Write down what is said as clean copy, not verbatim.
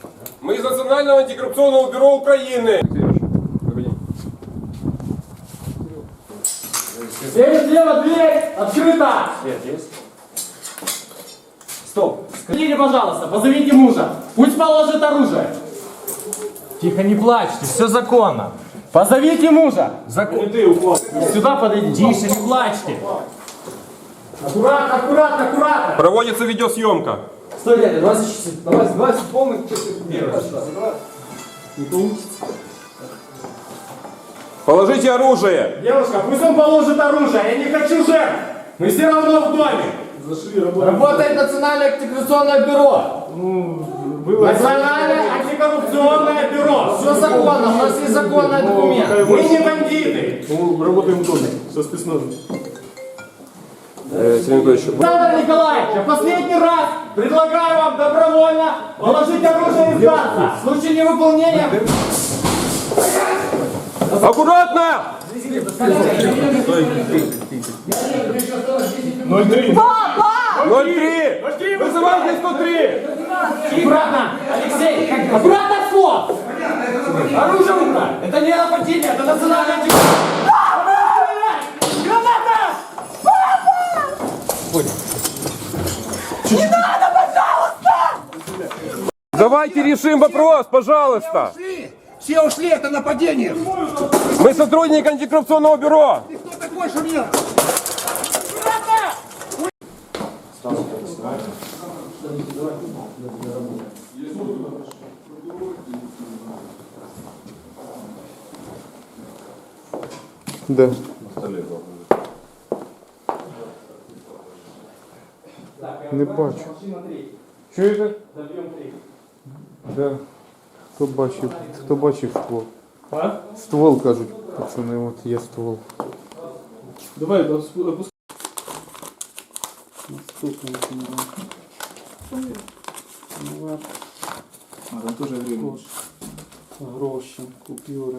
Мы из Национального антикоррупционного бюро Украины. Слева дверь открыта! Свет есть? Стоп! Скажите, пожалуйста, позовите мужа. Пусть положит оружие. Тихо, не плачьте, все законно. Позовите мужа. Сюда подойдите. Тише, не плачьте. Аккуратно, аккуратно, аккуратно. Проводится видеосъемка. Стой, дядя, 20 часов. Давай, 20 полных часов. Не получится. Положите оружие. Девушка, пусть он положит оружие. Я не хочу жертв. Мы все равно в доме. Работает Национальное антикоррупционное бюро. Национальное антикоррупционное бюро. Все законно, у нас есть законный документ. Мы не бандиты. Мы работаем в доме со спецназом. Александр Николаевич, я последний раз предлагаю вам добровольно положить оружие и сдаться. В случае невыполнения... Аккуратно! 03. 03! Вызывайте 103! Аккуратно, Алексей, аккуратно вход! Оружие убрать! Это не нападение, это национальное антикоррупционное... Граната! Не надо, пожалуйста! Давайте решим вопрос, пожалуйста. Все ушли, это нападение. Мы сотрудники антикоррупционного бюро. Ты кто такой, что мне? Да. Не бачу. Чуєте? Да. Хто бачив ствол? А? Ствол, кажуть, пацани, от є ствол. Давай, опускай. А, там тоже время. Гроші, купюри.